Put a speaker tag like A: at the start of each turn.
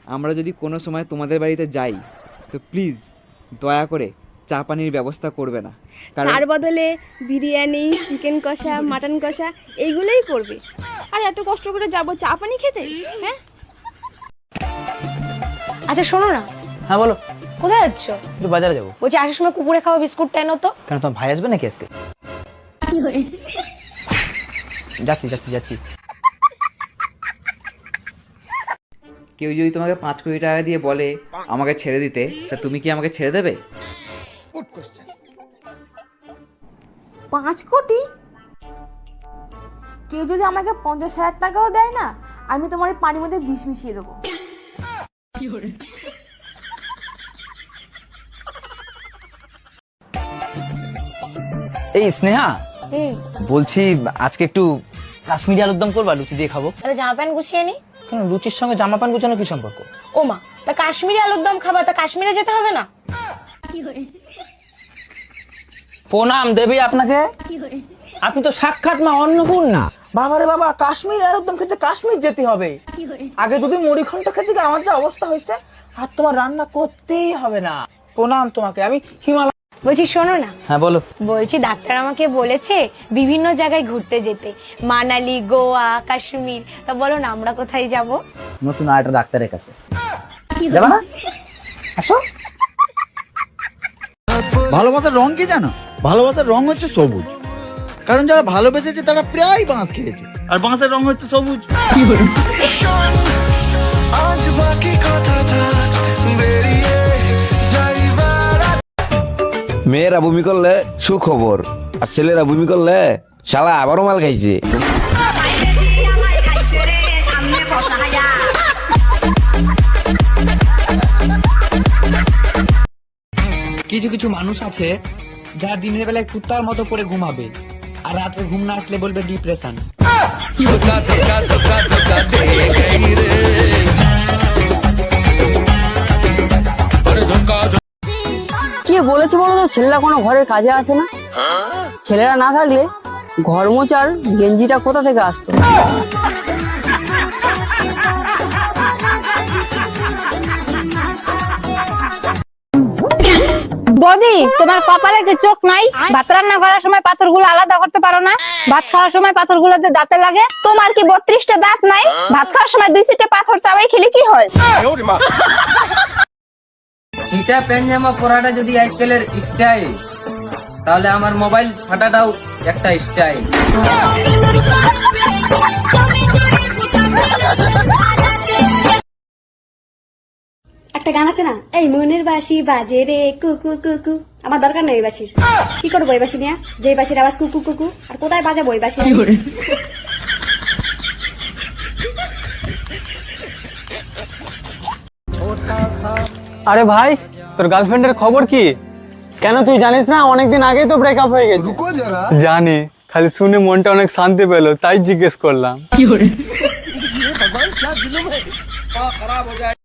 A: আমরা যদি কোনো সময় তোমাদের বাড়িতে যাই তো প্লিজ দয়া করে চা পানির ব্যবস্থা করবে না, কারণ
B: তার বদলে বিরিয়ানি, চিকেন কষা, মাটন কষা এইগুলোই করবে। আর এত কষ্ট করে যাবো চা পানি খেতে? হ্যাঁ।
C: আচ্ছা শোনো না,
D: হ্যাঁ বলো।
C: কোথায় যাচ্ছ?
D: একটু বাজারে যাবো।
C: বলছি আসার সময় কুকুরে খাওয়া বিস্কুটটা এনো তো।
D: কেন, তোমার ভাই আসবে নাকি আজকে? যাচ্ছি যাচ্ছি যাচ্ছি।
A: কেউ যদি তোমাকে 5 কোটি টাকা দিয়ে বলে আমাকে ছেড়ে দিতে, তা তুমি কি আমাকে ছেড়ে দেবে?
B: 5 কোটি? কেউ যদি আমাকে 50,000 টাকাও দেয় না, আমি তোমার এই পানির মধ্যে বিষ মিশিয়ে দেবো।
D: এই স্নেহা,
C: হুম,
D: বলছি আজকে একটু কাশ্মীরি আলুর দম করবা, লুচি দিয়ে খাবো।
C: তাহলে জামা প্যান্ট গুছিয়ে নি।
D: কেন, লুচির সঙ্গে জামা প্যান্ট গুছানো কি সম্পর্ক?
C: ও মা, তা কাশ্মীরি আলুর দম খাবা, তা কাশ্মীরে যেতে হবে না?
D: প্রণাম দেবী আপনাকে। আপনি তো সাক্ষাৎ মা অন্নপূর্ণা। বাবারে বাবা, কাশ্মীর আলুর দম খেতে কাশ্মীর যেতে হবে। আগে যদি মুড়ি ঘন্ট খেতে গিয়ে আমার যা অবস্থা হয়েছে, আর তোমার রান্না করতেই হবে না। প্রণাম তোমাকে, আমি হিমালয়।
C: বলছি শোনো না,
D: হ্যাঁ বলো।
C: বলছি ডাক্তার আমাকে বলেছে বিভিন্ন জায়গায় ঘুরতে যেতে, মানালি, গোয়া, কাশ্মীর। তা বলো না আমরা কোথায় যাব?
D: নতুন আরেকটা ডাক্তারের কাছে যাবা না? আসো।
E: ভালোবাসার রং কি জানো? ভালোবাসার রং হচ্ছে সবুজ, কারণ যারা ভালোবেসেছে তারা প্রায় বাঁশ খেয়েছে, আর বাঁশের রং হচ্ছে সবুজ।
F: মেয়েরা বমি করলে সুখবর, আর ছেলেরা বমি করলে শালা আবারও মাল খাইছে।
G: কিছু কিছু মানুষ আছে যারা দিনের বেলায় কুত্তার মতো করে ঘুমাবে, আর রাতে ঘুম না আসলে বলবে ডিপ্রেশন।
H: কি বলেছি বলো তো, ছেলেরা কোনো ঘরের কাজে আসে না। ছেলেরা না থাকলে ঘর মোচার গেঞ্জিটা কোথা থেকে আসতো?
C: বদি, তোমার কপালে কি চোখ নাই? ভাত রান্না করার সময় পাথরগুলো আলাদা করতে পারো না? ভাত খাওয়ার সময় পাথরগুলো যে দাঁতে লাগে। তোমার কি 32টা দাঁত নাই? ভাত খাওয়ার সময় 2-3টে পাথর চাবাই খেলে কি হয়?
G: শীতে প্যান্ট জামা পরাটা যদি আজকালের স্টাইল, তাহলে আমার মোবাইল ফাটাটাও একটা স্টাইল।
B: একটা গান আছে না, এই মনের বাঁশি বাজে রে কুকু কুকু। আমার দরকার নেই এই বাঁশির। কি করবো এই বাঁশি নিয়ে? যে বাঁশির আওয়াজ কুকু কুকু, আর কোথায় বাজাবো এই বাঁশি?
I: আরে ভাই, তোর গার্লফ্রেন্ডের খবর কি? কেন তুই জানিস না অনেকদিন আগেই তো ব্রেকআপ হয়ে গেছে। জানি, খালি শুনে মনটা অনেক শান্তি পেলো, তাই জিজ্ঞেস করলাম।